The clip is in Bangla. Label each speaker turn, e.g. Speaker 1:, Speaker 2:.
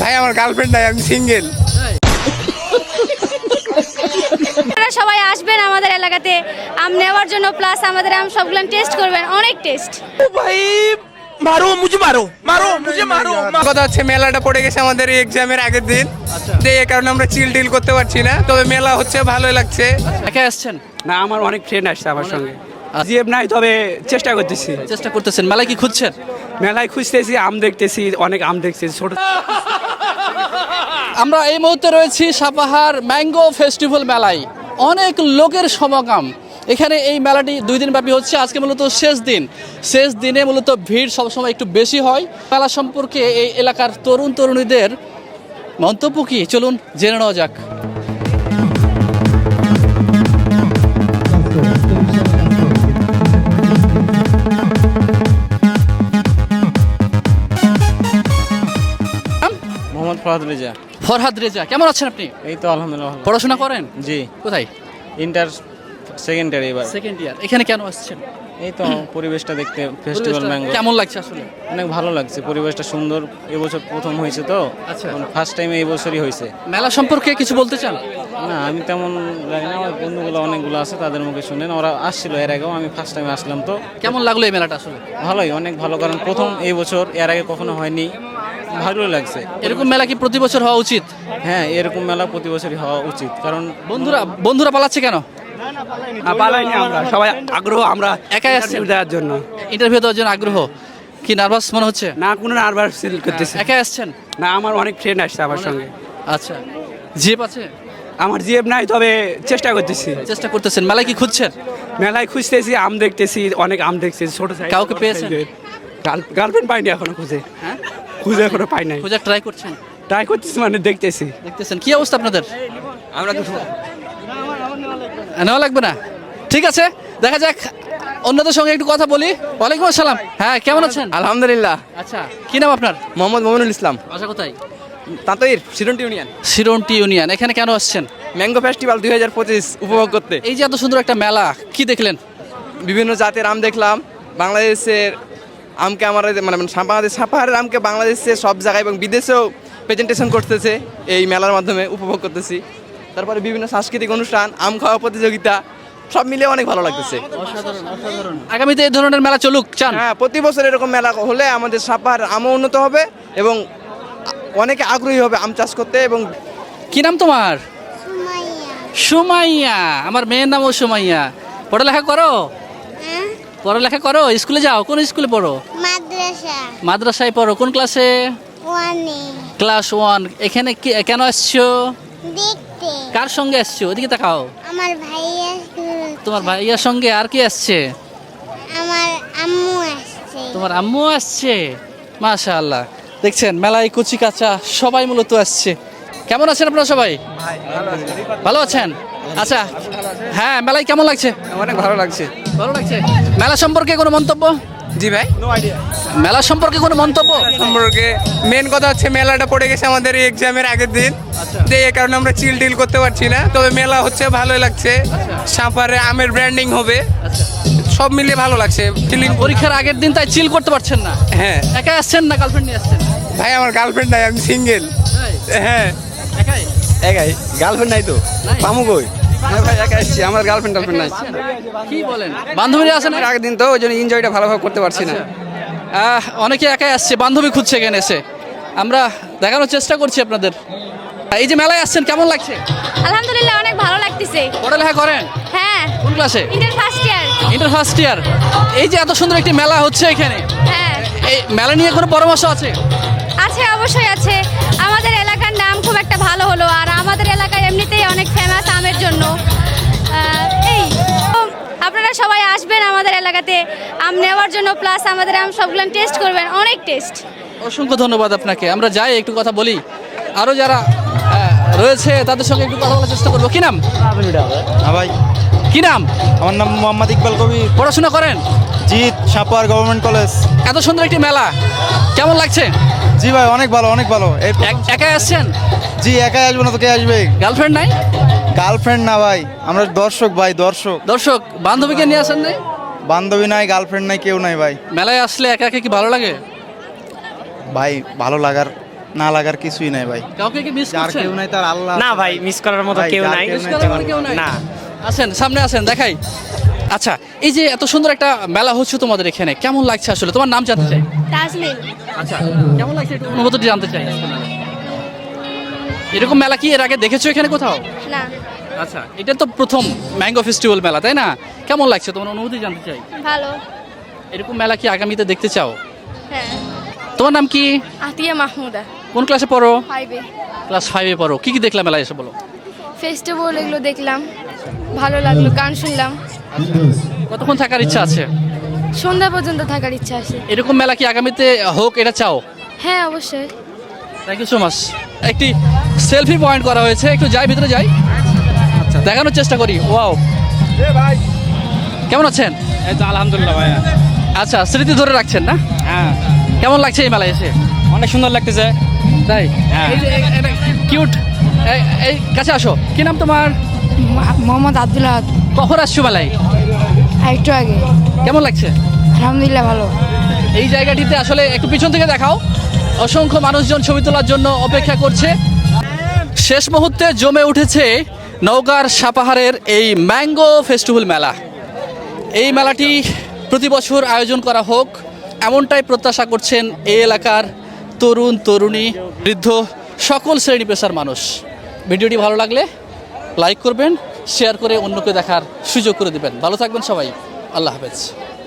Speaker 1: ভাই আমার গার্লফ্রেন্ড নাই, আমি সিঙ্গেল।
Speaker 2: আপনারা সবাই আসবেন আমাদের এলাকাতে আম নেওয়ার জন্য, প্লাস আমাদের আম সবগুলো টেস্ট করবেন, অনেক টেস্ট।
Speaker 3: ভাই মারো মুঝে মারো মারো মুঝে মারো।
Speaker 1: কথা হচ্ছে মেলাটা পড়ে গেছে আমাদের এক্সামের আগের দিন, এই কারণে আমরা চিল টিল করতে পারছি না। তবে মেলা হচ্ছে, ভালোই লাগছে।
Speaker 4: একা আসছেন?
Speaker 5: না, আমার অনেক ফ্রেন্ড আসছে আমার সঙ্গে। জিএফ নাই, তবে চেষ্টা করতেছি।
Speaker 4: চেষ্টা করতেছেন। মেলায় কি খুঁজছেন?
Speaker 5: মেলায় খুঁজতেছি, আম দেখতেছি, অনেক আম দেখতেছি ছোট।
Speaker 4: আমরা এই মুহূর্তে রয়েছি সাপাহার ম্যাঙ্গো ফেস্টিভ্যাল মেলায়। অনেক লোকের সমাগম এখানে। এই মেলাটি 2 দিন ব্যাপী হচ্ছে। আজকে মূলত শেষ দিন। শেষ দিনে মূলত ভিড় সবসময় একটু বেশি হয়। মেলা সম্পর্কে এই এলাকার তরুণ তরুণীদের মন্তব্য কি, চলুন জেনে নেওয়া যাক।
Speaker 6: মোহাম্মদ ফরহাদ রেজা।
Speaker 4: ফরহাদ রেজা, কেমন আছেন আপনি?
Speaker 6: এই তো আলহামদুলিল্লাহ ভালো।
Speaker 4: পড়াশোনা করেন?
Speaker 6: জি,
Speaker 4: কোথায়?
Speaker 6: ইন্টার সেকেন্ড ইয়ার এবার।
Speaker 4: Second year. এখানে কেন আসছেন?
Speaker 6: এই তো পরিবেশটা দেখতে, ফেস্টিভ্যাল ম্যাঙ্গো।
Speaker 4: কেমন লাগছে আসলে?
Speaker 6: অনেক ভালো লাগছে, পরিবেশটা সুন্দর। এবছর প্রথম হয়েছে তো,
Speaker 4: আচ্ছা।
Speaker 6: ফার্স্ট টাইম এই বছরই হয়েছে।
Speaker 4: মেলা সম্পর্কে কিছু বলতে চান?
Speaker 6: না, আমি তেমন জানি না, আমার বন্ধুগুলো অনেকগুলো আছে, তাদের মুখে শুনেন। ওরা আসছিল এর আগেও, আমি ফার্স্ট টাইম আসলাম তো।
Speaker 4: কেমন লাগলো এই মেলাটা আসলে?
Speaker 6: ভালোই, অনেক ভালো, কারণ প্রথম এই বছর, এর আগে কখনো হয়নি, ভালোই লাগছে।
Speaker 4: এরকম মেলা কি প্রতি বছর হওয়া উচিত?
Speaker 6: হ্যাঁ, এরকম মেলা প্রতি বছরই হওয়া উচিত, কারণ
Speaker 4: বন্ধুরা পালাচ্ছে কেন?
Speaker 5: পালাইনি আমরা, সবাই আগ্রহ। আমরা
Speaker 4: একাই আসছেন?
Speaker 5: interview দেওয়ার জন্য।
Speaker 4: ইন্টারভিউ দেওয়ার জন্য আগ্রহ। কি নার্ভাস মনে হচ্ছে?
Speaker 5: না, কোনো নার্ভাস ফিল করতেছি
Speaker 4: একাই আসছেন?
Speaker 5: না, আমার অনেক ফ্রেন্ড আসছে আমার সঙ্গে।
Speaker 4: আচ্ছা, জিপ আছে?
Speaker 5: আমার জিএফ নাই, তবে চেষ্টা করতেছি।
Speaker 4: চেষ্টা করতেছেন। মেলায় কি খুঁজছেন?
Speaker 5: মেলায় খুঁজতেছি, আম দেখতেছি, অনেক আম দেখতেছি ছোট সাইজ।
Speaker 4: কাউকে পেয়েছেন?
Speaker 5: গার্লফ্রেন্ড পাইনি এখনো,
Speaker 4: হ্যাঁ,
Speaker 5: খুঁজে এখনো পাই নাই।
Speaker 4: খোঁজার ট্রাই করছেন?
Speaker 5: ট্রাই করতেছি, মানে দেখতেছি।
Speaker 4: দেখতেছেন। কি অবস্থা আপনাদের?
Speaker 5: আমরা তো
Speaker 4: নেওয়া লাগবে না, ঠিক আছে, দেখা যাক। অন্যদের সঙ্গে একটু কথা বলি। ওয়ালাইকুম আসসালাম। হ্যাঁ, কেমন আছেন?
Speaker 1: আলহামদুলিল্লাহ।
Speaker 4: আচ্ছা, কি নাম আপনার?
Speaker 1: মোহাম্মদ মমিনুল ইসলাম।
Speaker 4: বাসা কোথায়?
Speaker 1: তাঁতইর সিরন্টি ইউনিয়ন।
Speaker 4: সিরন্টি ইউনিয়ন। এখানে কেন আসছেন?
Speaker 1: ম্যাঙ্গো ফেস্টিভ্যাল 2025 উপভোগ করতে।
Speaker 4: এই যে এত সুন্দর একটা মেলা, কি দেখলেন?
Speaker 1: বিভিন্ন জাতের আম দেখলাম। বাংলাদেশের আমকে আমার মানে সাপাহারের আমকে বাংলাদেশে সব জায়গায় এবং বিদেশেও প্রেজেন্টেশন করতেছে এই মেলার মাধ্যমে, উপভোগ করতেছি। তারপরে বিভিন্ন সাংস্কৃতিক অনুষ্ঠান, আম খাওয়া প্রতিযোগিতা, সব মিলে অনেক ভালো লাগতেছে।
Speaker 4: আগামীতে এই ধরনের মেলা চলুক চান?
Speaker 1: হ্যাঁ, প্রতি বছর এরকম মেলা হলে আমাদের সাপাহার আমও উন্নত হবে এবং অনেকে আগ্রহী হবে আম চাষ করতে। এবং
Speaker 4: কি নাম তোমার? সুমাইয়া। আমার মেয়ের নামও সুমাইয়া। পড়ালেখা করো? পড়ালেখা করো? স্কুলে যাও? কোন স্কুলে পড়ো? মাদ্রাসায় পড়ো। কোন ক্লাসে? ক্লাস 1। এখানে কেন আসছো?
Speaker 7: দেখতে।
Speaker 4: কার সঙ্গে আসছো? ওদিকে তাকাও।
Speaker 7: আমার ভাইয়া।
Speaker 4: তোমার ভাইয়ার সঙ্গে আর কি আসছে?
Speaker 7: আমার আম্মু আসছে।
Speaker 4: তোমার আম্মু আসছে। মাশাআল্লাহ। দেখছেন মেলায় কুচি কাঁচা সবাই মূলত আসছে। কেমন আছেন আপনারা সবাই? ভালো আছেন? আচ্ছা, হ্যাঁ, মেলায় কেমন লাগছে?
Speaker 1: অনেক ভালো লাগছে।
Speaker 4: ভালো লাগছে। মেলা সম্পর্কে কোনো মন্তব্য?
Speaker 1: জি ভাই,
Speaker 4: মেলা সম্পর্কে কোনো মন্তব্য?
Speaker 1: সম্পর্কে মেন কথা হচ্ছে মেলাটা পড়ে গেছে আমাদের এক্সামের আগের দিন, এই কারণে আমরা চিল টিল করতে পারছি না। তবে মেলা হচ্ছে, ভালোই লাগছে। সাপারে আমের ব্র্যান্ডিং হবে, সব মিলিয়ে ভালো লাগছে। ফিলিং।
Speaker 4: পরীক্ষার আগের দিন তাই চিল করতে পারছেন না?
Speaker 1: হ্যাঁ।
Speaker 4: একা আসছেন না গার্লফ্রেন্ড নিয়ে আসছেন?
Speaker 1: ভাই আমার গার্লফ্রেন্ড নাই, আমি সিঙ্গেল। হ্যাঁ,
Speaker 4: একাই?
Speaker 1: একাই। গার্লফ্রেন্ড নাই তো,
Speaker 4: নাই?
Speaker 1: পামু কই? হ্যাঁ ভাই, একা এসেছি, আমার গার্লফ্রেন্ড নাই।
Speaker 4: কি বলেন? বান্ধবীরা আছে না?
Speaker 1: আগের দিন তো, ওই জন্য এনজয়টা ভালোভাবে করতে পারছি না।
Speaker 4: অনেকে একাই আসছে, বান্ধবী খুঁজছে এখানে এসে। আমরা দেখানোর চেষ্টা করছি আপনাদের। এই যে মেলায় আসছেন, কেমন লাগছে?
Speaker 2: আলহামদুলিল্লাহ, অনেক ভালো লাগতেছে।
Speaker 4: পড়ালেখা করেন?
Speaker 2: হ্যাঁ,
Speaker 4: কোন ক্লাসে?
Speaker 2: Inter first year.
Speaker 4: Inter first year. এই যে এত সুন্দর একটি মেলা হচ্ছে এখানে,
Speaker 2: হ্যাঁ,
Speaker 4: এই মেলা নিয়ে কোনো পরামর্শ আছে?
Speaker 2: আছে, অবশ্যই আছে। আমাদের এলাকার নাম খুব একটা ভালো হলো, আর আমাদের এলাকায় এমনিতেই অনেক ফেমাস আমের জন্য। এই তো, আপনারা সবাই আসবেন আমাদের এলাকাতে আম নেওয়ার জন্য, প্লাস আমাদের আম সবগুলো টেস্ট করবেন, অনেক টেস্ট।
Speaker 4: অসংখ্য ধন্যবাদ আপনাকে। আমরা যাই, একটু কথা বলি। আরও যারা রয়েছে তাদের সঙ্গে একটু কথা বলার চেষ্টা করবো। কি নাম?
Speaker 8: হ্যাঁ ভাই,
Speaker 4: কি নাম?
Speaker 8: আমার নাম মোহাম্মদ ইকবাল কবির।
Speaker 4: পড়াশোনা করেন?
Speaker 8: জিৎ, সাপাহার গভর্নমেন্ট কলেজ।
Speaker 4: এত সুন্দর একটি মেলা, কেমন লাগছে?
Speaker 8: জি ভাই, অনেক ভালো, অনেক ভালো।
Speaker 4: একাই আসছেন?
Speaker 8: জি, একাই আসবো না তো কে আসবে?
Speaker 4: গার্লফ্রেন্ড নাই?
Speaker 8: গার্লফ্রেন্ড না ভাই, আমরা দর্শক ভাই, দর্শক।
Speaker 4: দর্শক, বান্ধবীকে নিয়ে আসেন নাই?
Speaker 8: বান্ধবী নাই, গার্লফ্রেন্ড নাই, কেউ নাই ভাই।
Speaker 4: মেলায় আসলে একা একা কি ভালো লাগে?
Speaker 8: ভাই, ভালো লাগার না লাগার কিছুই নাই ভাই।
Speaker 4: কাউকে কি মিস
Speaker 8: যার
Speaker 4: করছেন?
Speaker 8: কেউ নাই তার আল্লাহ
Speaker 5: না
Speaker 8: আছে
Speaker 5: ভাই মিস করার মতো
Speaker 8: ভাই,
Speaker 5: কেউ
Speaker 8: যার
Speaker 5: নাই
Speaker 8: কেউ
Speaker 4: মিস করার মতো কেউ নাই?
Speaker 5: না
Speaker 4: আসেন সামনে আসেন দেখাই। আচ্ছা এই যে এত সুন্দর একটা মেলা হচ্ছে তোমাদের এখানে, কেমন লাগছে আসলে? তোমার নাম জানতে চাই।
Speaker 2: তাজলিন।
Speaker 4: আচ্ছা কেমন লাগছে একটু অনুভূতি জানতে চাই। এরকম মেলা কি এর আগে দেখেছো এখানে কোথাও?
Speaker 2: না,
Speaker 4: আচ্ছা এটা তো প্রথম ম্যাঙ্গো ফেস্টিভ্যাল মেলা, তাই না? কেমন লাগছে তোমার অনুভূতি জানতে চাই।
Speaker 2: ভালো।
Speaker 4: এরকম মেলা কি আগামীতে দেখতে চাও?
Speaker 2: হ্যাঁ।
Speaker 4: তোমার নাম কি?
Speaker 2: আতিয়া মাহমুদা,
Speaker 4: কোন ক্লাসে পড়ো?
Speaker 2: 5-এ।
Speaker 4: ক্লাস 5-এ পড়ো। কি কি দেখলাম মেলায় এসে বলো?
Speaker 2: ফেস্টিভ্যাল এগুলো দেখলাম, ভালো লাগলো, গান শুনলাম।
Speaker 4: কতক্ষণ থাকার ইচ্ছা আছে?
Speaker 2: সন্ধ্যা পর্যন্ত থাকার ইচ্ছা আছে।
Speaker 4: এরকম মেলা কি আগামীতে হোক এটা চাও?
Speaker 2: হ্যাঁ অবশ্যই।
Speaker 4: Thank you so much. একটি সেলফি পয়েন্ট করা হয়েছে, একটু যাই ভিতরে যাই, দেখানোর চেষ্টা করি। ওয়াও, কেমন আছেন?
Speaker 5: এই তো আলহামদুলিল্লাহ ভাইয়া।
Speaker 4: আচ্ছা স্মৃতি ধরে রাখছেন না?
Speaker 5: হ্যাঁ
Speaker 4: কেমন লাগছে এই মেলায় এসে?
Speaker 5: অনেক সুন্দর লাগতেছে।
Speaker 4: তাই?
Speaker 5: হ্যাঁ।
Speaker 4: কিউট। এই কাছে আসো, কি নাম তোমার?
Speaker 2: মোহাম্মদ আব্দুল্লাহ।
Speaker 4: কখন আসছো মেলায়?
Speaker 2: একটু আগে।
Speaker 4: কেমন লাগছে?
Speaker 2: আলহামদুলিল্লাহ ভালো।
Speaker 4: এই জায়গাটিতে আসলে একটু পিছন থেকে দেখাও, অসংখ্য মানুষজন ছবি তোলার জন্য অপেক্ষা করছে। শেষ মুহূর্তে জমে উঠেছে নওগাঁর সাপাহারের এই ম্যাঙ্গো ফেস্টিভ্যাল মেলা। এই মেলাটি প্রতি বছর আয়োজন করা হোক এমনটাই প্রত্যাশা করছেন এই এলাকার তরুণ তরুণী বৃদ্ধ সকল শ্রেণী পেশার মানুষ। ভিডিওটি ভালো লাগলে লাইক করবেন, শেয়ার করে অন্যকে দেখার সুযোগ করে দিবেন। ভালো থাকবেন সবাই, আল্লাহ হাফেজ।